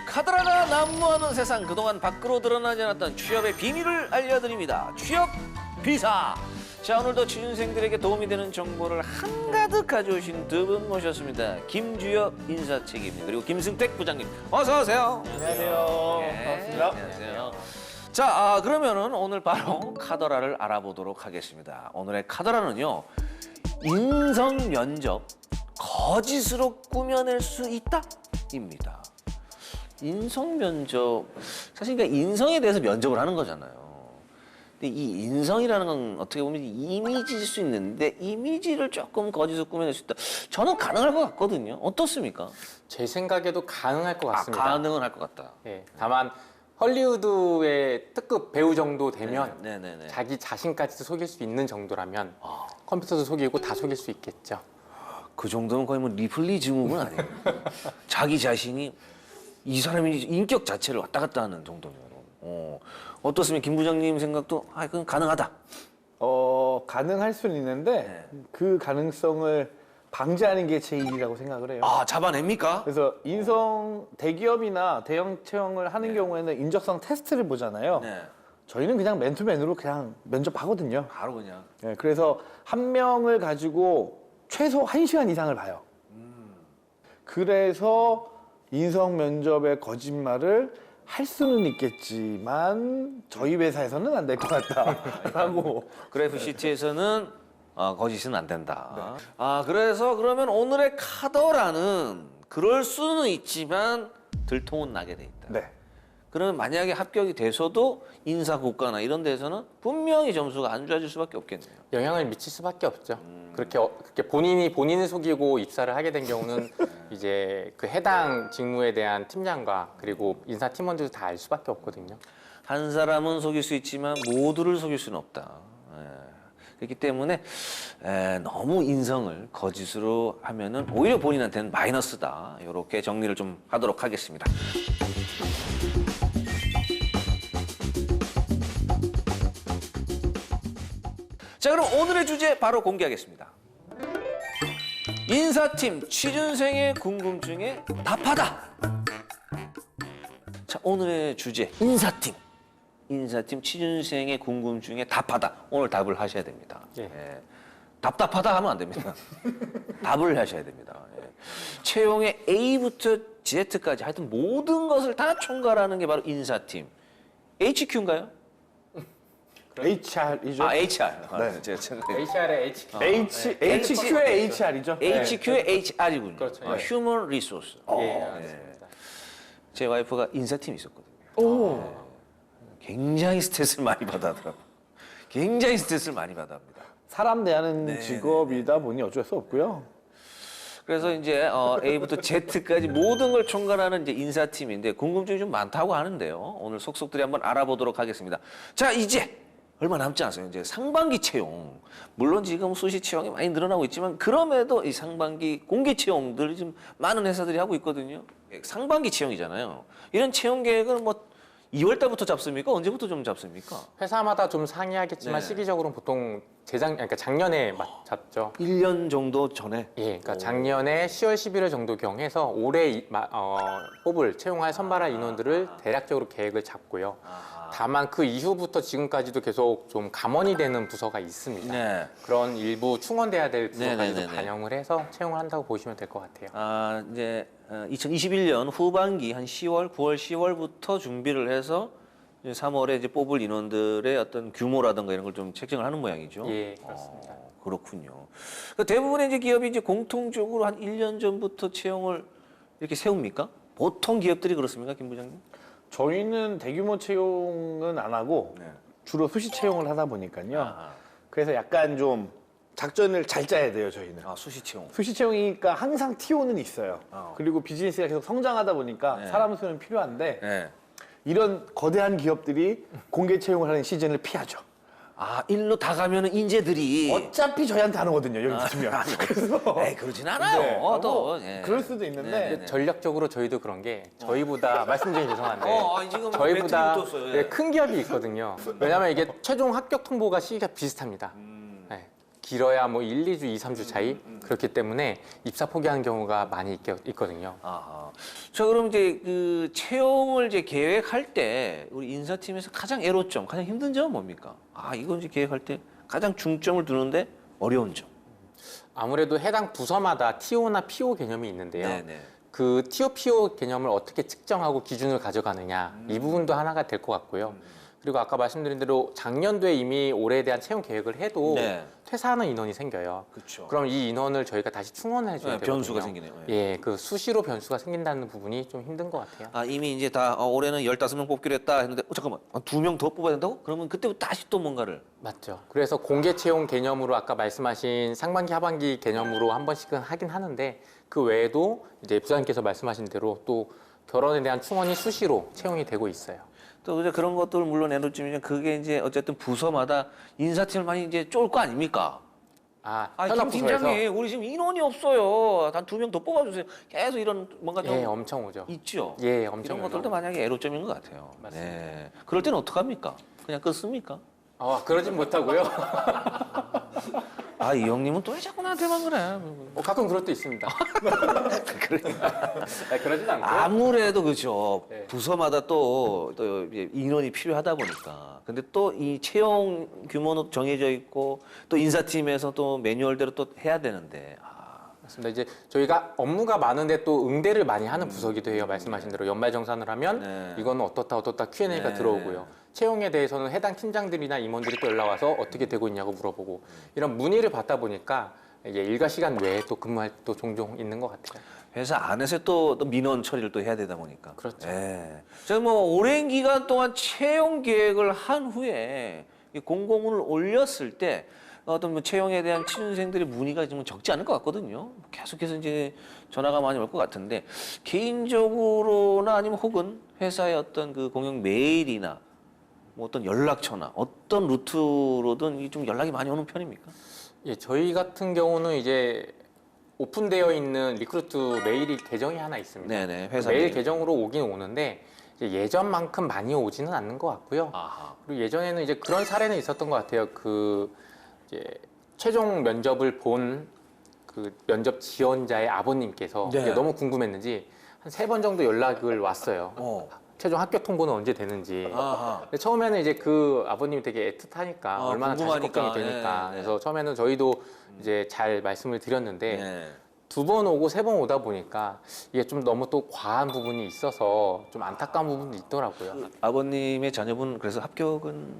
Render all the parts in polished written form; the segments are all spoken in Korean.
카더라가 난무하는 세상, 그동안 밖으로 드러나지 않았던 취업의 비밀을 알려드립니다. 취업 비사. 자, 오늘도 취준생들에게 도움이 되는 정보를 한가득 가져오신 두 분 모셨습니다. 김주엽 인사책임님 그리고 김승택 부장님, 어서 오세요. 안녕하세요. 네, 반갑습니다. 안녕하세요. 자, 그러면은 오늘 바로 카더라를 알아보도록 하겠습니다. 오늘의 카더라는요, 인성 면접 거짓으로 꾸며낼 수 있다입니다. 인성 면접, 사실 그러니까 인성에 대해서 면접을 하는 거잖아요. 근데 이 인성이라는 건 어떻게 보면 이미지일 수 있는데 이미지를 조금 거짓으로 꾸며낼 수 있다. 저는 가능할 것 같거든요. 어떻습니까? 제 생각에도 가능할 것 같습니다. 가능은 할 것 같다. 예, 다만 헐리우드의 특급 배우 정도 되면 네네네. 자기 자신까지도 속일 수 있는 정도라면 컴퓨터도 속이고 다 속일 수 있겠죠. 그 정도면 거의 뭐 리플리 증후군 아니에요? 자기 자신이 이 사람이 인격 자체를 왔다 갔다 하는 정도면. 어떻습니까? 김 부장님 생각도 그건 가능하다. 가능할 수는 있는데 그 가능성을 방지하는 게 제 일이라고 생각을 해요. 잡아냅니까? 그래서 인성 대기업이나 대형 채용을 하는 경우에는 인적성 테스트를 보잖아요. 네. 저희는 그냥 맨투맨으로 그냥 면접하거든요. 바로 그냥. 네, 그래서 한 명을 가지고 최소 1시간 이상을 봐요. 그래서 인성 면접의 거짓말을 할 수는 있겠지만 저희 회사에서는 안 될 것 같다라고. 그래프시티에서는 거짓은 안 된다. 그래서 그러면 오늘의 카더라는 그럴 수는 있지만 들통은 나게 돼 있다. 네. 그러면 만약에 합격이 돼서도 인사고과나 이런 데서는 분명히 점수가 안 좋아질 수밖에 없겠네요. 영향을 미칠 수밖에 없죠. 그렇게 본인을 속이고 입사를 하게 된 경우는 이제 그 해당 직무에 대한 팀장과 그리고 인사 팀원들도 다 알 수밖에 없거든요. 한 사람은 속일 수 있지만 모두를 속일 수는 없다. 그렇기 때문에 너무 인성을 거짓으로 하면은 오히려 본인한테는 마이너스다. 이렇게 정리를 좀 하도록 하겠습니다. 자, 그럼 오늘의 주제 바로 공개하겠습니다. 인사팀 취준생의 궁금증에 답하다. 자, 오늘의 주제 인사팀 취준생의 궁금증에 답하다. 오늘 답을 하셔야 됩니다. 예. 답답하다 하면 안 됩니다. 답을 하셔야 됩니다. 채용의 A부터 Z까지 하여튼 모든 것을 다 총괄하는 게 바로 인사팀. HQ인가요? HR이죠. HR. 네. HR의 HQ의 HR이죠. HQ의 HR이군요. 그렇죠. Human Resource. 맞습니다. 제 와이프가 인사팀에 있었거든요. 오. 굉장히 스트레스를 많이 받아하더라고요. 굉장히 스트레스를 많이 받아합니다. 사람 대하는 직업이다 보니 어쩔 수 없고요. 그래서 이제 A부터 Z까지 모든 걸 총괄하는 이제 인사팀인데 궁금증이 좀 많다고 하는데요. 오늘 속속들이 한번 알아보도록 하겠습니다. 자, 이제 얼마 남지 않았어요. 이제 상반기 채용. 물론 지금 수시 채용이 많이 늘어나고 있지만 그럼에도 이 상반기 공개 채용들이 좀 많은 회사들이 하고 있거든요. 상반기 채용이잖아요. 이런 채용 계획은 뭐 2월 달부터 잡습니까? 언제부터 좀 잡습니까? 회사마다 좀 상이하겠지만 네. 시기적으로는 보통 그러니까 작년에 잡죠. 1년 정도 전에. 예, 그러니까 작년에 10월, 11월 정도 경해서 올해 뽑을 채용할 선발할 인원들을 대략적으로 계획을 잡고요. 다만 그 이후부터 지금까지도 계속 좀 감원이 되는 부서가 있습니다. 네. 그런 일부 충원돼야 될 부서까지도 네네네네. 반영을 해서 채용을 한다고 보시면 될 것 같아요. 이제 2021년 후반기 한 10월, 9월, 10월부터 준비를 해서 이제 3월에 이제 뽑을 인원들의 어떤 규모라든가 이런 걸 좀 책정을 하는 모양이죠. 예, 그렇습니다. 그렇군요. 그러니까 대부분의 이제 기업이 이제 공통적으로 한 1년 전부터 채용을 이렇게 세웁니까? 보통 기업들이 그렇습니까, 김 부장님? 저희는 대규모 채용은 안 하고 주로 수시 채용을 하다 보니까요. 그래서 약간 좀 작전을 잘 짜야 돼요, 저희는. 수시 채용. 수시 채용이니까 항상 TO는 있어요. 어. 그리고 비즈니스가 계속 성장하다 보니까 네. 사람 수는 필요한데 네. 이런 거대한 기업들이 공개 채용을 하는 시즌을 피하죠. 일로 다 가면은 인재들이 어차피 저희한테 안 오거든요, 여기 붙으면. 그래서 그러진 않아요. 네, 또. 그럴 수도 있는데 네네네. 전략적으로 저희도 그런 게 저희보다 말씀 중에 죄송한데 지금 저희보다 배틀이 붙었어요. 큰 기업이 있거든요. 왜냐하면 이게 최종 합격 통보가 시기가 비슷합니다. 네. 길어야 뭐 1, 2주, 2, 3주 차이 그렇기 때문에 입사 포기하는 경우가 많이 있거든요. 아하. 자, 그럼 이제 그 채용을 이제 계획할 때 우리 인사팀에서 가장 애로점, 가장 힘든 점은 뭡니까? 아, 이거 이제 계획할 때 가장 중점을 두는데 어려운 점. 아무래도 해당 부서마다 TO나 PO 개념이 있는데요. 네네. 그 TO, PO 개념을 어떻게 측정하고 기준을 가져가느냐 이 부분도 하나가 될 것 같고요. 그리고 아까 말씀드린 대로 작년도에 이미 올해에 대한 채용 계획을 해도 네. 퇴사하는 인원이 생겨요. 그렇죠. 그럼 이 인원을 저희가 다시 충원해 줘야 되거든요. 변수가 생기네요. 예. 예, 그 수시로 변수가 생긴다는 부분이 좀 힘든 것 같아요. 아, 이미 이제 다 올해는 15명 뽑기로 했다 했는데 잠깐만. 2명 더 뽑아야 된다고? 그러면 그때부터 다시 또 뭔가를 맞죠. 그래서 공개 채용 개념으로 아까 말씀하신 상반기, 하반기 개념으로 한 번씩은 하긴 하는데 그 외에도 이제 부장님께서 말씀하신 대로 또 결혼에 대한 충원이 수시로 채용이 되고 있어요. 또 이제 그런 것들 물론 애로점이면 그게 이제 어쨌든 부서마다 인사팀을 많이 이제 쫄 거 아닙니까? 아, 아, 김 현업 부서에서 팀장님, 우리 지금 인원이 없어요. 한 2명 더 뽑아주세요. 계속 이런 뭔가 좀 예, 엄청 오죠. 있죠. 예, 엄청 이런 것들도 오죠. 만약에 애로점인 것 같아요. 맞습니다. 네. 그럴 때는 어떡합니까? 그냥 끊습니까? 그러진 못하고요. 아, 이 형님은 또 왜 자꾸 나한테만 그래? 가끔 그럴 때 있습니다. 그러진 않고. 아무래도 그죠. 네. 부서마다 또 이제 인원이 필요하다 보니까. 근데 또 이 채용 규모는 정해져 있고 또 인사팀에서 또 매뉴얼대로 또 해야 되는데. 맞습니다. 이제 저희가 업무가 많은데 또 응대를 많이 하는 부서기도 해요. 말씀하신 대로 연말정산을 하면 네. 이거는 어떻다 Q&A가 네. 들어오고요. 채용에 대해서는 해당 팀장들이나 임원들이 또 연락 와서 어떻게 되고 있냐고 물어보고 이런 문의를 받다 보니까 이게 일과 시간 외에 또 근무할 또 종종 있는 것 같아요. 회사 안에서 또 민원 처리를 또 해야 되다 보니까. 그렇죠. 예. 제가 뭐 오랜 기간 동안 채용 계획을 한 후에 이 공고문을 올렸을 때 어떤 뭐 채용에 대한 취준생들의 문의가 좀 적지 않을 것 같거든요. 계속해서 이제 전화가 많이 올 것 같은데 개인적으로나 아니면 혹은 회사의 어떤 그 공용 메일이나 뭐 어떤 연락처나 어떤 루트로든 이 좀 연락이 많이 오는 편입니까? 예, 저희 같은 경우는 이제 오픈되어 있는 리크루트 메일이 계정이 하나 있습니다. 네네, 회사 메일 메일. 계정으로 오긴 오는데 이제 예전만큼 많이 오지는 않는 것 같고요. 아하. 그리고 예전에는 이제 그런 사례는 있었던 것 같아요. 그 이제 최종 면접을 본 그 면접 지원자의 아버님께서 네. 이게 너무 궁금했는지 한 3번 정도 연락을 왔어요. 최종 합격 통보는 언제 되는지. 아하. 근데 처음에는 이제 그 아버님이 되게 애틋하니까 얼마나 자식 궁금하니까. 걱정이 되니까. 네, 네. 그래서 처음에는 저희도 이제 잘 말씀을 드렸는데 네. 2번 오고 3번 오다 보니까 이게 좀 너무 또 과한 부분이 있어서 좀 안타까운 부분도 있더라고요. 아버님의 자녀분 그래서 합격은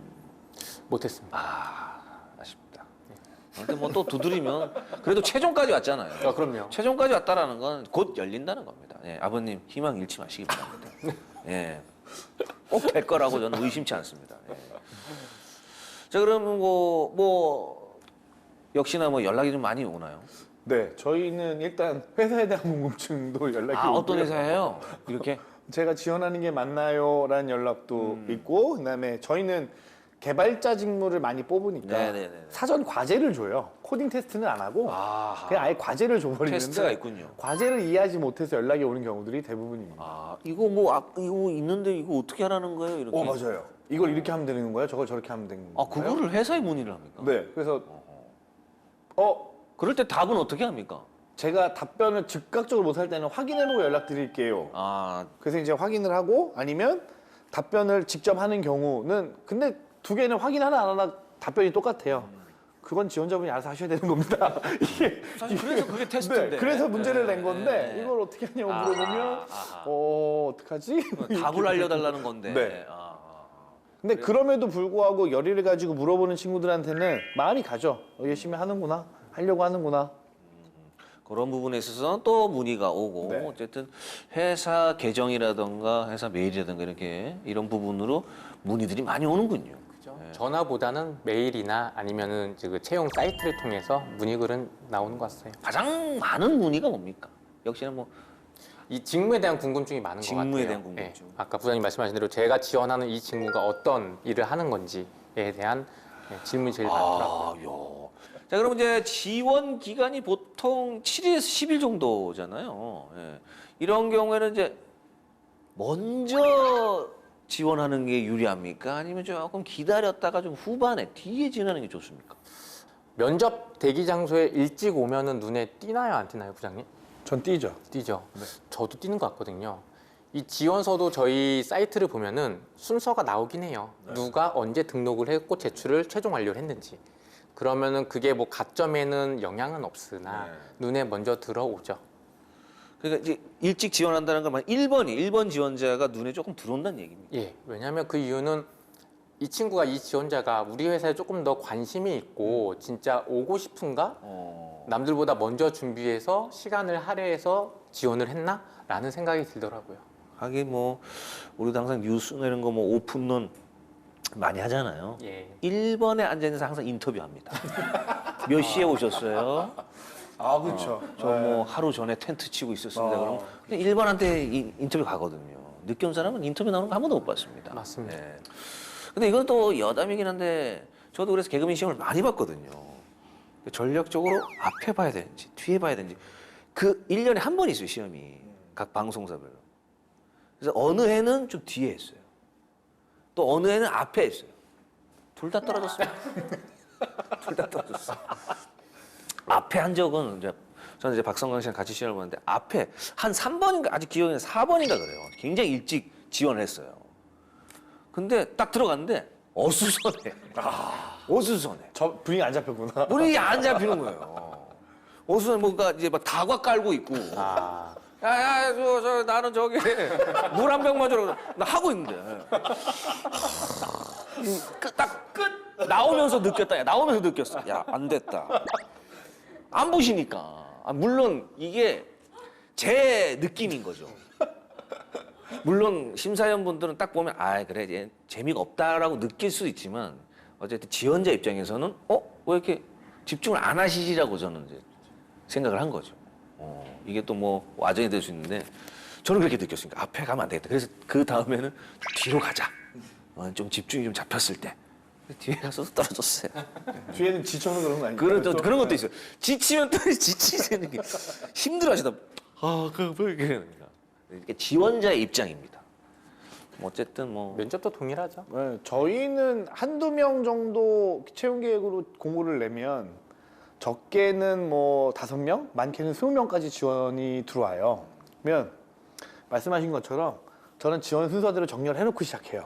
못했습니다. 아쉽다. 근데 뭐 또 두드리면 그래도 최종까지 왔잖아요. 그럼요. 최종까지 왔다라는 건 곧 열린다는 겁니다. 예, 아버님 희망 잃지 마시기 바랍니다. 예, 꼭 될 거라고 저는 의심치 않습니다. 예. 자, 그러면 뭐 역시나 뭐 연락이 좀 많이 오나요? 네, 저희는 일단 회사에 대한 궁금증도 연락이 아, 오고요. 어떤 회사예요? 이렇게? 제가 지원하는 게 맞나요?라는 연락도 있고, 그다음에 저희는 개발자 직무를 많이 뽑으니까 네네네. 사전 과제를 줘요. 코딩 테스트는 안 하고 아하. 그냥 아예 과제를 줘버리는데 테스트가 있군요. 과제를 이해하지 못해서 연락이 오는 경우들이 대부분입니다. 아, 이거 뭐 이거 있는데 이거 어떻게 하라는 거예요? 이렇게. 맞아요. 이걸 이렇게 하면 되는 거예요? 저걸 저렇게 하면 되는 건가요? 아, 그거를 회사에 문의를 합니까? 네, 그래서 그럴 때 답은 어떻게 합니까? 제가 답변을 즉각적으로 못할 때는 확인해보고 연락드릴게요. 아, 그래서 이제 확인을 하고 아니면 답변을 직접 하는 경우는 근데 두 개는 확인 하나 안 하나 답변이 똑같아요. 그건 지원자분이 알아서 하셔야 되는 겁니다. 이게 사실 그래서 그게 테스트인데. 네, 그래서 문제를 낸 건데 네. 이걸 어떻게 하냐고 물어보면 아하. 어떡하지? 답을 알려달라는 건데. 네. 아. 근데 그럼에도 불구하고 열의를 가지고 물어보는 친구들한테는 마음이 가죠. 열심히 하는구나, 하려고 하는구나. 그런 부분에 있어서는 또 문의가 오고 네. 어쨌든 회사 계정이라든가 회사 메일이라든가 이렇게 이런 부분으로 문의들이 많이 오는군요. 그죠? 전화보다는 메일이나 아니면은 그 채용 사이트를 통해서 문의글은 나오는 것 같아요. 가장 많은 문의가 뭡니까? 역시나 뭐 이 직무에 대한 궁금증이 많은 것 같아요. 직무에 대한 궁금증. 예, 아까 부장님 말씀하신 대로 제가 지원하는 이 직무가 어떤 일을 하는 건지에 대한 질문이 제일 많더라고요. 요. 자, 그럼 이제 지원 기간이 보통 7일에서 10일 정도잖아요. 예. 이런 경우에는 이제 먼저 지원하는 게 유리합니까? 아니면 조금 기다렸다가 좀 후반에 뒤에 지원하는 게 좋습니까? 면접 대기 장소에 일찍 오면은 눈에 띄나요, 안 띄나요, 부장님? 전 띄죠. 띄죠. 저도 띄는 것 같거든요. 이 지원서도 저희 사이트를 보면은 순서가 나오긴 해요. 누가 언제 등록을 했고 제출을 최종 완료를 했는지. 그러면은 그게 뭐 가점에는 영향은 없으나 눈에 먼저 들어오죠. 그러니까 이제 일찍 지원한다는 건 1번 지원자가 눈에 조금 들어온다는 얘기입니다. 예, 왜냐하면 그 이유는 이 친구가 이 지원자가 우리 회사에 조금 더 관심이 있고 진짜 오고 싶은가? 남들보다 먼저 준비해서 시간을 할애해서 지원을 했나? 라는 생각이 들더라고요. 하긴 뭐 우리도 항상 뉴스 내는 거 뭐 오픈론 많이 하잖아요. 예. 1번에 앉아 있는 사람 항상 인터뷰합니다. 몇 시에 오셨어요? 아 그렇죠. 저 뭐 하루 전에 텐트 치고 있었습니다. 그럼 그냥 1번한테 인터뷰 가거든요. 늦게 온 사람은 인터뷰 나오는 거 한 번도 못 봤습니다. 맞습니다. 예. 근데 이건 또 여담이긴 한데 저도 그래서 개그맨 시험을 많이 봤거든요. 전략적으로 앞에 봐야 되는지 뒤에 봐야 되는지 그 1년에 한 번 있어요, 시험이. 각 방송사별로. 그래서 어느 해는 좀 뒤에 했어요. 또 어느 해는 앞에 했어요. 둘 다 떨어졌어요. 둘 다 떨어졌어요. 앞에 한 적은 이제 저는 이제 박성광 씨랑 같이 시험을 보는데 앞에 한 3번인가 아직 기억이 나요. 4번인가 그래요. 굉장히 일찍 지원을 했어요. 근데 딱 들어갔는데 어수선해. 어수선해. 저 분위기 안 잡혔구나. 우리 안 잡히는 거예요. 어수선 뭔가 이제 막 다과 깔고 있고. 아, 야야 저 나는 저기 물 한 병만 주라고 나 하고 있는데 딱 끝 나오면서 느꼈다. 야 나오면서 느꼈어. 야 안 됐다. 안 보시니까. 물론 이게 제 느낌인 거죠. 물론 심사위원분들은 딱 보면 아 그래 얘 재미가 없다라고 느낄 수도 있지만 어쨌든 지원자 입장에서는 왜 이렇게 집중을 안 하시지라고 저는 이제 생각을 한 거죠. 이게 또 뭐 와전이 될 수 있는데 저는 그렇게 느꼈으니까 앞에 가면 안 되겠다. 그래서 그 다음에는 뒤로 가자. 좀 집중이 좀 잡혔을 때 뒤에 가서 떨어졌어요. 뒤에는 지쳐서 그런 거 아니에요? 그런 것도 있어요. 지치면 또 지치는 게 힘들어하시다. 뭐 이렇게 이게 지원자의 입장입니다. 어쨌든 뭐 면접도 동일하죠. 네, 저희는 한두 명 정도 채용 계획으로 공고를 내면 적게는 뭐 5명, 많게는 20명까지 지원이 들어와요. 그러면 말씀하신 것처럼 저는 지원 순서대로 정렬 해놓고 시작해요.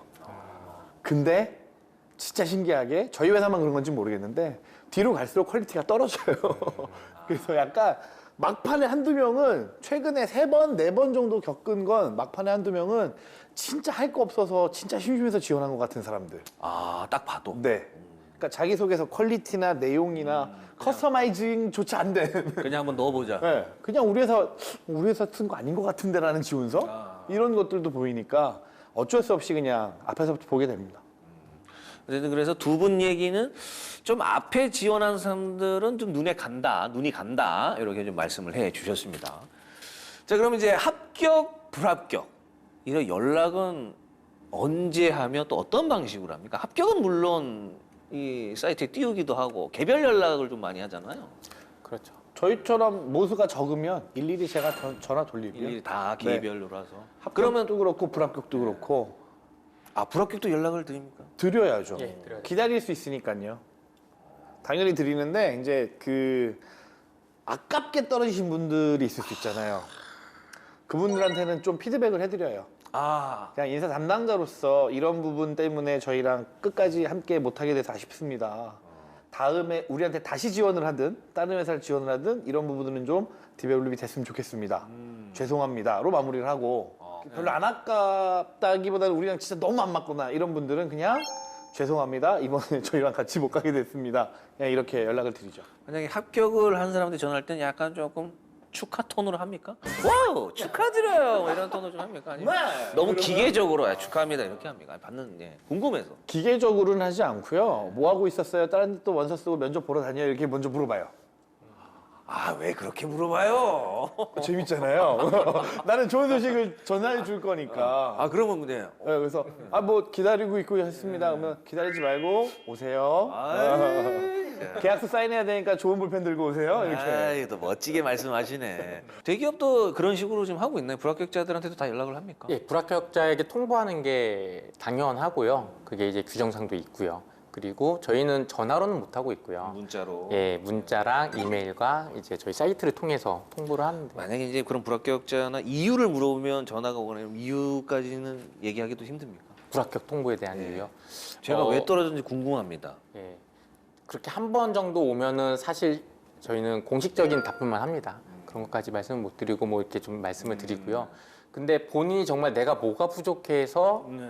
근데 진짜 신기하게 저희 회사만 그런 건지 모르겠는데 뒤로 갈수록 퀄리티가 떨어져요. 그래서 약간 막판에 한두 명은 최근에 3번, 4번 정도 겪은 건 막판에 한두 명은 진짜 할 거 없어서 진짜 심심해서 지원한 것 같은 사람들. 딱 봐도 네. 그러니까 자기소개서 퀄리티나 내용이나 커스터마이징조차 안 된. 그냥 한번 넣어보자. 네. 그냥 우리 회사 쓴 거 아닌 것 같은데라는 지원서? 이런 것들도 보이니까 어쩔 수 없이 그냥 앞에서부터 보게 됩니다. 어쨌든 그래서 두 분 얘기는 좀 앞에 지원한 사람들은 좀 눈이 간다 이렇게 좀 말씀을 해 주셨습니다. 자 그럼 이제 합격, 불합격 이런 연락은 언제 하며 또 어떤 방식으로 합니까? 합격은 물론 이 사이트에 띄우기도 하고 개별 연락을 좀 많이 하잖아요. 그렇죠. 저희처럼 모수가 적으면 일일이 제가 전화 돌리고요. 일일이 다 개별로 해서. 합격도 그렇고 불합격도 그렇고 불합격도 연락을 드립니까? 드려야죠. 예, 드려야죠. 기다릴 수 있으니까요. 당연히 드리는데 이제 그 아깝게 떨어지신 분들이 있을 수 있잖아요. 그분들한테는 좀 피드백을 해드려요. 그냥 인사 담당자로서 이런 부분 때문에 저희랑 끝까지 함께 못하게 돼서 아쉽습니다. 다음에 우리한테 다시 지원을 하든 다른 회사를 지원을 하든 이런 부분들은 좀 디벨롭이 됐으면 좋겠습니다. 죄송합니다로 마무리를 하고 별로 안 아깝다기보다는 우리랑 진짜 너무 안 맞거나 이런 분들은 그냥 죄송합니다. 이번에 저희랑 같이 못 가게 됐습니다. 그냥 이렇게 연락을 드리죠. 만약에 합격을 한 사람한테 전화할 때는 약간 조금 축하 톤으로 합니까? 와우 축하드려요 뭐 이런 톤으로 좀 합니까? 아니면 너무 기계적으로 축하합니다 이렇게 합니까? 받는 궁금해서. 기계적으로는 하지 않고요. 뭐 하고 있었어요? 다른 데 또 원서 쓰고 면접 보러 다녀요? 이렇게 먼저 물어봐요. 왜 그렇게 물어봐요? 재밌잖아요. 나는 좋은 소식을 전화해 줄 거니까. 그러면 근데 네, 그래서 뭐 기다리고 있고 했습니다. 그러면 기다리지 말고 오세요. 계약서 사인해야 되니까 좋은 볼펜 들고 오세요. 이렇게. 또 멋지게 말씀하시네. 대기업도 그런 식으로 지금 하고 있나요? 불합격자들한테도 다 연락을 합니까? 예, 불합격자에게 통보하는 게 당연하고요. 그게 이제 규정상도 있고요. 그리고 저희는 전화로는 못 하고 있고요. 문자로. 예, 문자랑 이메일과 이제 저희 사이트를 통해서 통보를 하는데 만약에 이제 그런 불합격자나 이유를 물어보면 전화가 오거나 이러면 이유까지는 얘기하기도 힘듭니까? 불합격 통보에 대한 이유요. 제가 왜 떨어졌는지 궁금합니다. 예, 그렇게 한 번 정도 오면은 사실 저희는 공식적인 답변만 합니다. 그런 것까지 말씀을 못 드리고 뭐 이렇게 좀 말씀을 드리고요. 근데 본인이 정말 내가 뭐가 부족해서 네.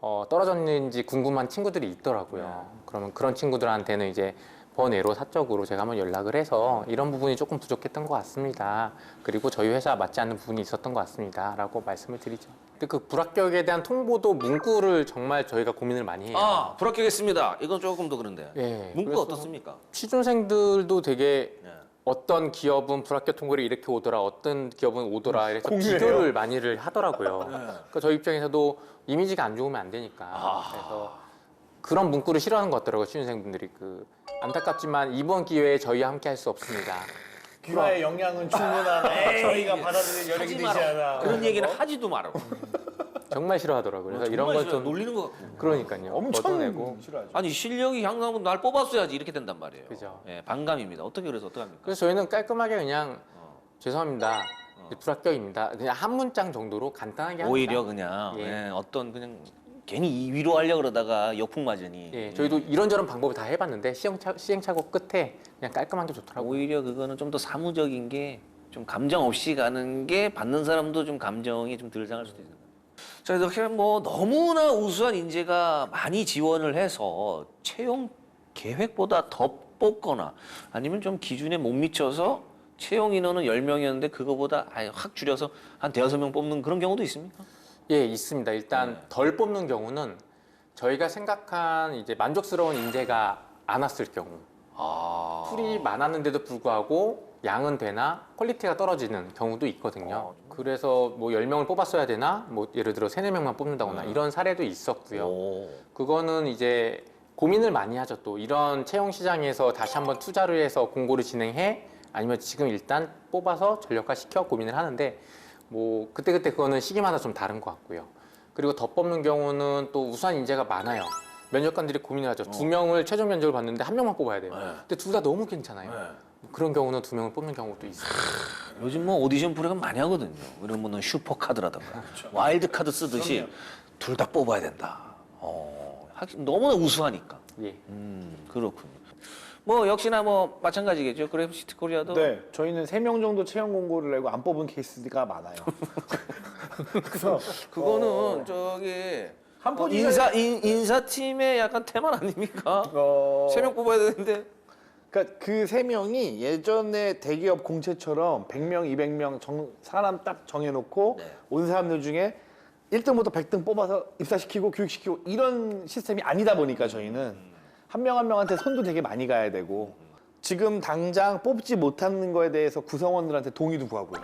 떨어졌는지 궁금한 친구들이 있더라고요. 그러면 그런 친구들한테는 이제 번외로 사적으로 제가 한번 연락을 해서 이런 부분이 조금 부족했던 것 같습니다. 그리고 저희 회사 맞지 않는 부분이 있었던 것 같습니다. 라고 말씀을 드리죠. 근데 그 불합격에 대한 통보도 문구를 정말 저희가 고민을 많이 해요. 아, 불합격했습니다. 이건 조금 더 그런데. 예, 문구가 그래서 어떻습니까? 취준생들도 되게 네. 어떤 기업은 불합격 통보를 이렇게 오더라, 어떤 기업은 오더라, 이래서 공유해요? 비교를 많이들 하더라고요. 그러니까 저희 입장에서도 이미지가 안 좋으면 안 되니까. 그래서 그런 문구를 싫어하는 것 같더라고요, 취준생분들이. 안타깝지만 이번 기회에 저희와 함께 할 수 없습니다. 귀화의 영향은 충분하네. 저희가 받아들일 여력이 하지 되지 마라. 않아. 그런 얘기는 하지도 마라. 정말 싫어하더라고요. 그래서 이런 건 좀 놀리는 것 같고. 그러니까요. 엄청 걷어내고. 싫어하죠. 아니 실력이 향상하면 날 뽑았어야지 이렇게 된단 말이에요. 그죠. 예, 반감입니다. 어떻게 그래서 어떻게 합니까? 그래서 저희는 깔끔하게 그냥 죄송합니다. 불합격입니다. 그냥 한 문장 정도로 간단하게 합니다. 오히려 그냥 예. 예, 어떤 그냥 괜히 위로하려고 그러다가 역풍 맞으니 예, 저희도 이런저런 방법을 다 해봤는데 시행착오 끝에 그냥 깔끔한 게 좋더라고요. 오히려 그거는 좀 더 사무적인 게 좀 감정 없이 가는 게 받는 사람도 좀 감정이 좀 덜 상할 수도 있는 거예요. 자, 이렇게 뭐 너무나 우수한 인재가 많이 지원을 해서 채용 계획보다 더 뽑거나 아니면 좀 기준에 못 미쳐서 채용 인원은 10명이었는데 그거보다 아예 확 줄여서 한 대여섯 명 뽑는 그런 경우도 있습니까? 예, 있습니다. 일단 덜 뽑는 경우는 저희가 생각한 이제 만족스러운 인재가 안 왔을 경우, 풀이 많았는데도 불구하고 양은 되나 퀄리티가 떨어지는 경우도 있거든요. 그래서 뭐 10명을 뽑았어야 되나, 뭐 예를 들어 3, 4명만 뽑는다거나 이런 사례도 있었고요. 오. 그거는 이제 고민을 많이 하죠. 또 이런 채용 시장에서 다시 한번 투자를 해서 공고를 진행해, 아니면 지금 일단 뽑아서 전력화 시켜 고민을 하는데, 뭐 그때그때 그거는 시기마다 좀 다른 것 같고요. 그리고 더 뽑는 경우는 또 우수한 인재가 많아요. 면접관들이 고민을 하죠. 2명을 최종 면접을 봤는데 1명만 뽑아야 돼요. 근데 둘 다 너무 괜찮아요. 그런 경우는 2명을 뽑는 경우도 있어요. 요즘 뭐 오디션 프로그램 많이 하거든요. 그러면 뭐 슈퍼카드라든가 와일드 카드 쓰듯이 둘 다 뽑아야 된다. 너무나 우수하니까. 예. 그렇군요. 뭐 역시나 뭐 마찬가지겠죠. 그래프시티 코리아도 네, 저희는 3명 정도 채용 공고를 내고 안 뽑은 케이스가 많아요. 그래서 그거는 저기 한 포지션 인사팀의 약간 테마 아닙니까? 어, 세 명 뽑아야 되는데. 그러니까 그 3명이 예전에 대기업 공채처럼 100명, 200명 사람 딱 정해놓고 네. 온 사람들 중에 1등부터 100등 뽑아서 입사시키고 교육시키고 이런 시스템이 아니다 보니까 저희는 한 명 한 명한테 손도 되게 많이 가야 되고 지금 당장 뽑지 못하는 거에 대해서 구성원들한테 동의도 구하고요.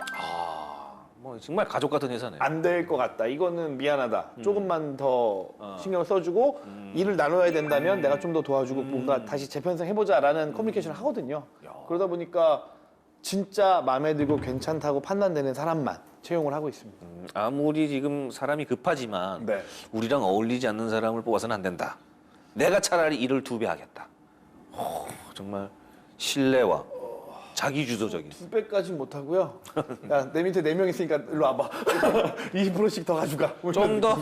뭐 정말 가족 같은 회사네요. 안 될 것 같다. 이거는 미안하다. 조금만 더 신경을 써주고 일을 나눠야 된다면 내가 좀 더 도와주고 뭔가 다시 재편성 해보자라는 커뮤니케이션을 하거든요. 그러다 보니까 진짜 마음에 들고 괜찮다고 판단되는 사람만 채용을 하고 있습니다. 아무리 지금 사람이 급하지만 네. 우리랑 어울리지 않는 사람을 뽑아서는 안 된다. 내가 차라리 일을 2배 하겠다. 정말 신뢰와 자기주도적인. 2배까지는 못하고요. 야, 내 밑에 4명 있으니까 일로 와봐. 20%씩 더 가져가. 좀 더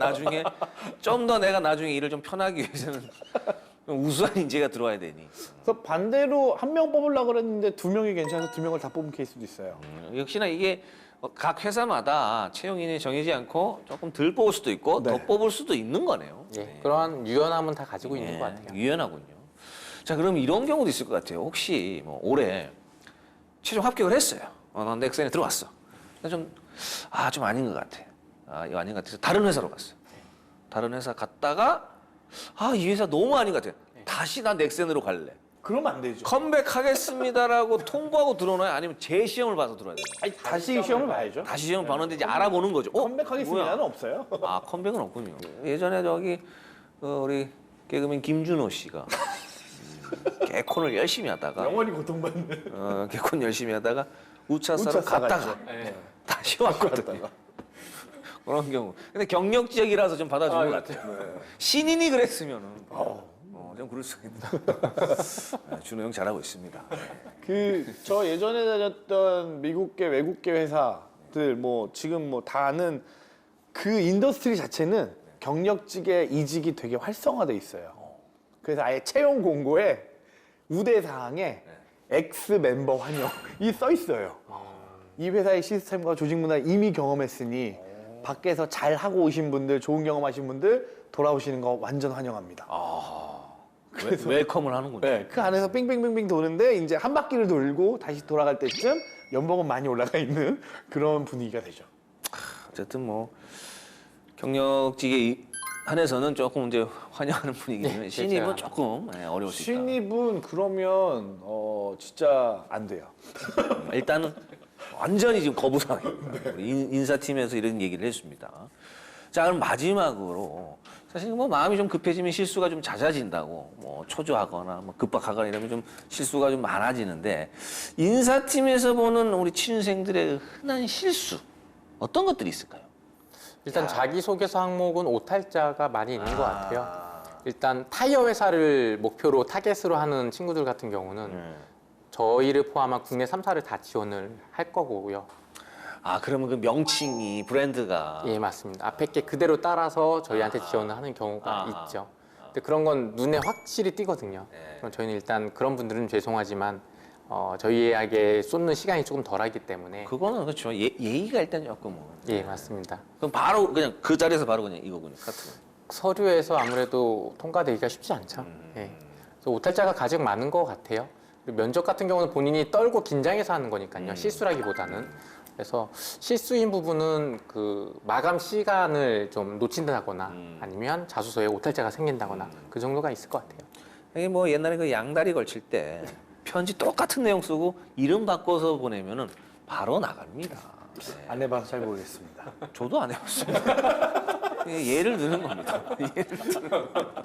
내가 나중에 일을 좀 편하기 위해서는 좀 우수한 인재가 들어와야 되니. 그래서 반대로 1명 뽑으려고 그랬는데 2명이 괜찮아서 2명을 다 뽑은 케이스도 있어요. 역시나 이게 각 회사마다 채용인이 정해지 않고 조금 덜 뽑을 수도 있고 네. 더 뽑을 수도 있는 거네요. 예, 그러한 유연함은 다 가지고 있는 것 같아요. 유연하군요. 자, 그럼 이런 경우도 있을 것 같아요. 혹시 뭐 올해 최종 합격을 했어요. 난 넥센에 들어왔어. 근데 좀 아닌 것 같아. 이거 아닌 것 같아서 다른 회사로 갔어요. 다른 회사 갔다가 이 회사 너무 아닌 것 같아. 다시 난 넥센으로 갈래. 그러면 안 되죠. 컴백하겠습니다라고 통보하고 들어오나요? 아니면 재시험을 봐서 들어야 돼요? 아니, 다시 시험을 봐야죠. 다시 시험을 봤는데 이제 알아보는 거죠. 컴백하겠습니다는 뭐야? 없어요. 컴백은 없군요. 예전에 우리 개그맨 김준호 씨가 개콘을 열심히 하다가 영원히 고통받는. 개콘 열심히 하다가 우차사로 우차사 갔다가 갔죠. 다시 왔거든요. 그런 경우. 근데 경력직이라서 좀 받아주는 것 같아요. 신인이 그랬으면은 좀 그럴 수 있다. 네, 준호 형 잘하고 있습니다. 저 예전에 다녔던 미국계 외국계 회사들 뭐 지금 뭐 다 아는 그 인더스트리 자체는 경력직의 이직이 되게 활성화돼 있어요. 그래서 아예 채용 공고에 우대 사항에 X 멤버 환영이 써 있어요. 이 회사의 시스템과 조직 문화를 이미 경험했으니 밖에서 잘 하고 오신 분들, 좋은 경험하신 분들 돌아오시는 거 완전 환영합니다. 그래서 웰컴을 하는군요. 네, 그 안에서 빙빙빙빙 도는데 이제 한 바퀴를 돌고 다시 돌아갈 때쯤 연봉은 많이 올라가 있는 그런 분위기가 되죠. 어쨌든 뭐 경력직에 한해서는 조금 이제 환영하는 분위기는 신입은 조금 어려울 수 있다. 신입은 그러면 진짜 안 돼요. 일단은 완전히 지금 거부상입니다. 우리 인사팀에서 이런 얘기를 했습니다. 자, 그럼 마지막으로 사실 뭐 마음이 좀 급해지면 실수가 좀 잦아진다고 뭐 초조하거나 뭐 급박하거나 이러면 좀 실수가 좀 많아지는데 인사팀에서 보는 우리 취준생들의 흔한 실수 어떤 것들이 있을까요? 일단 자기소개서 항목은 오탈자가 많이 있는 것 같아요. 일단 타이어 회사를 목표로 타겟으로 하는 친구들 같은 경우는 저희를 포함한 국내 3사를 다 지원을 할 거고요. 그러면 그 명칭이 브랜드가 예, 맞습니다. 앞에 게 그대로 따라서 저희한테 지원을 하는 경우가 있죠. 근데 그런 건 눈에 확실히 띄거든요. 그럼 저희는 일단 그런 분들은 죄송하지만 저희에게 쏟는 시간이 조금 덜하기 때문에 그거는 그렇죠. 예의가 일단 조금은. 예, 맞습니다. 그럼 바로 그냥 그 자리에서 바로 그냥 이거군요. 카트. 서류에서 아무래도 통과되기가 쉽지 않죠. 예. 그래서 오탈자가 가장 많은 것 같아요. 그리고 면접 같은 경우는 본인이 떨고 긴장해서 하는 거니까요. 실수라기보다는. 그래서 실수인 부분은 그 마감 시간을 좀 놓친다거나 아니면 자소서에 오탈자가 생긴다거나 그 정도가 있을 것 같아요. 이게 뭐 옛날에 그 양다리 걸칠 때 편지 똑같은 내용 쓰고 이름 바꿔서 보내면은 바로 나갑니다. 네. 안 해봐서 잘 모르겠습니다. 저도 안 해봤어요. 예를 드는 겁니다. 예를 드는 겁니다.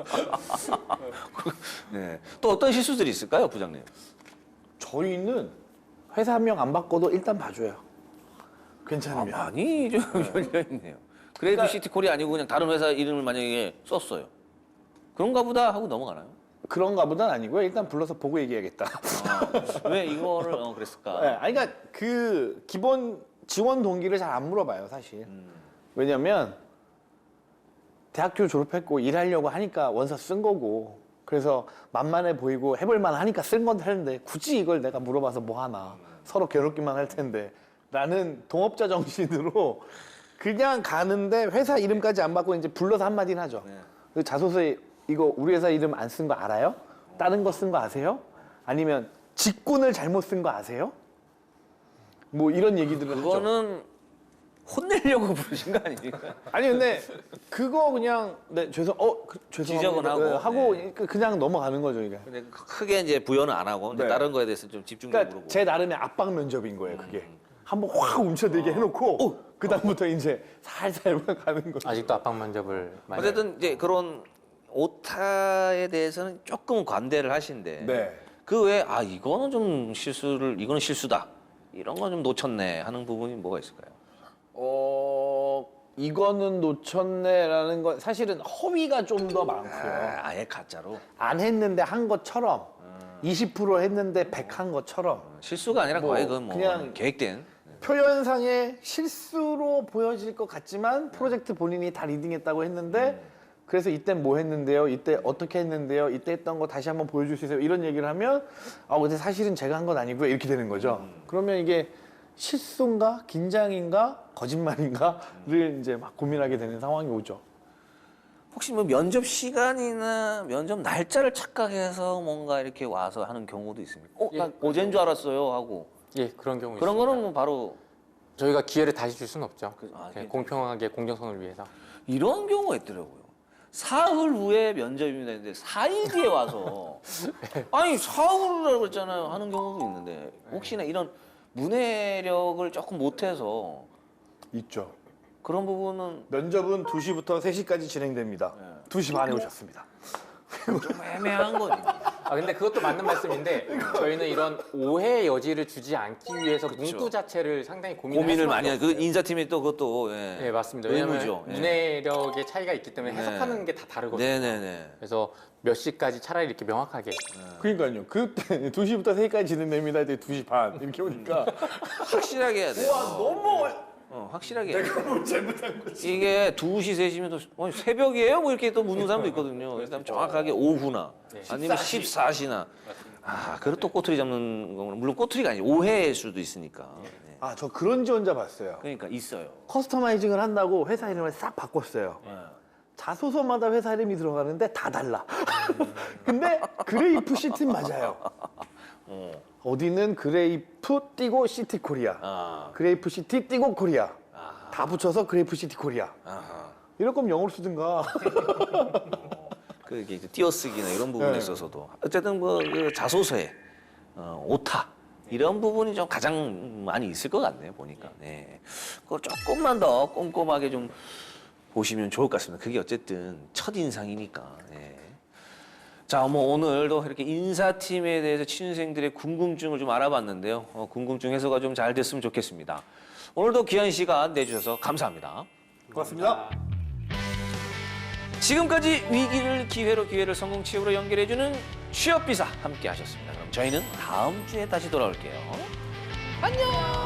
네. 또 어떤 실수들이 있을까요, 부장님? 저희는 회사 한 명 안 바꿔도 일단 봐줘요. 괜찮으면. 많이 좀 열려 있네요. 그래도 시티콜이 아니고 그냥 다른 회사 이름을 만약에 썼어요. 그런가 보다 하고 넘어가나요? 그런가 보단 아니고요. 일단 불러서 보고 얘기해야겠다. 왜 이거를 그랬을까? 네, 아니, 그러니까 그 기본 지원 동기를 잘 안 물어봐요, 사실. 왜냐면 대학교 졸업했고 일하려고 하니까 원서 쓴 거고 그래서 만만해 보이고 해볼만 하니까 쓴 건데 하는데 굳이 이걸 내가 물어봐서 뭐 하나 서로 괴롭기만 할 텐데 라는 동업자 정신으로 그냥 가는데 회사 이름까지 안 받고 이제 불러서 한마디는 하죠. 그 자소서에 이거 우리 회사 이름 안 쓴 거 알아요? 다른 거 쓴 거 아세요? 아니면 직군을 잘못 쓴 거 아세요? 뭐 이런 얘기들을 하죠. 그거는 혼내려고 부르신 거 아닙니까? 아니 근데 그거 그냥 네 죄송합니다. 지적은 하고. 네, 하고 그냥 넘어가는 거죠 이게. 근데 크게 이제 부여는 안 하고 이제 네. 다른 거에 대해서 좀 집중적으로 그러니까 물어보고. 제 나름의 압박 면접인 거예요 그게. 한번 확 움켜들게 해놓고 그 다음부터 이제 살살 가는 거죠. 아직도 압박 면접을 많이 어쨌든 이제 그런 오타에 대해서는 조금 관대를 하신데 네. 그 외에 이거는 좀 이거는 실수다 이런 건 좀 놓쳤네 하는 부분이 뭐가 있을까요? 이거는 놓쳤네라는 건 사실은 허위가 좀 더 많고요. 아예 가짜로 안 했는데 한 것처럼 20% 했는데 100 한 것처럼 실수가 아니라 뭐 거의 그건 그냥 계획된. 표현상의 실수로 보여질 것 같지만 프로젝트 본인이 다 리딩했다고 했는데 그래서 이때 뭐 했는데요? 이때 어떻게 했는데요? 이때 했던 거 다시 한번 보여줄 수 있어요? 이런 얘기를 하면 근데 사실은 제가 한 건 아니고요. 이렇게 되는 거죠. 그러면 이게 실수인가? 긴장인가? 거짓말인가?를 이제 막 고민하게 되는 상황이 오죠. 혹시 뭐 면접 시간이나 면접 날짜를 착각해서 뭔가 이렇게 와서 하는 경우도 있습니까? 나 어제인 줄 알았어요 하고 예, 그런 경우 그런 있습니다. 거는 뭐 바로 저희가 기회를 다시 줄 수는 없죠. 예. 공평하게 공정성을 위해서. 이런 경우가 있더라고요. 사흘 후에 면접입니다 했는데 4일 뒤에 와서 아니 사흘이라고 했잖아요 하는 경우도 있는데 혹시나 이런 문해력을 조금 못해서 있죠. 그런 부분은 면접은 2시부터 3시까지 진행됩니다. 2시 반에 오셨습니다. 좀 애매한 거지. 근데 그것도 맞는 말씀인데 저희는 이런 오해의 여지를 주지 않기 위해서 문구 자체를 상당히 고민을 많이 하그 인사팀이 또 그것도 네, 맞습니다. 왜냐하면 의무죠. 문해력의 차이가 있기 때문에 네. 해석하는 게 다 다르거든요. 네네네. 그래서 몇 시까지 차라리 이렇게 명확하게 그러니까요. 그때 2시부터 3시까지 진행됩니다. 이제 2시 반 이렇게 오니까 확실하게 해야 돼요. 너무 확실하게 해야 돼요. 뭘 잘못한 거지. 이게 2시, 3시면 또 새벽이에요? 뭐 이렇게 또 묻는 사람도 있거든요. 그래서 정확하게 오후나 아니면 14시나. 그리고 또 꼬투리 잡는 거는 물론 꼬투리가 아니고 오해일 수도 있으니까. 네. 저 그런지 혼자 봤어요. 그러니까 있어요. 커스터마이징을 한다고 회사 이름을 싹 바꿨어요. 자소서마다 회사 이름이 들어가는데 다 달라. 근데 그레이프 시티 맞아요. 어디는 그레이프 띄고 시티 코리아, 그레이프 시티 띄고 코리아. 다 붙여서 그레이프 시티 코리아. 이럴 거면 영어로 쓰든가. 그 이게 띄어쓰기나 이런 부분에 네. 있어서도 어쨌든 그 자소서에 오타 이런 부분이 좀 가장 많이 있을 것 같네요 보니까. 네. 그걸 조금만 더 꼼꼼하게 좀 보시면 좋을 것 같습니다. 그게 어쨌든 첫 인상이니까. 네. 자, 뭐 오늘도 이렇게 인사팀에 대해서 취준생들의 궁금증을 좀 알아봤는데요. 궁금증 해소가 좀 잘 됐으면 좋겠습니다. 오늘도 귀한 시간 내주셔서 감사합니다. 고맙습니다. 지금까지 위기를 기회로, 기회를 성공치유로 연결해주는 취업비사 함께 하셨습니다. 그럼 저희는 다음 주에 다시 돌아올게요. 안녕!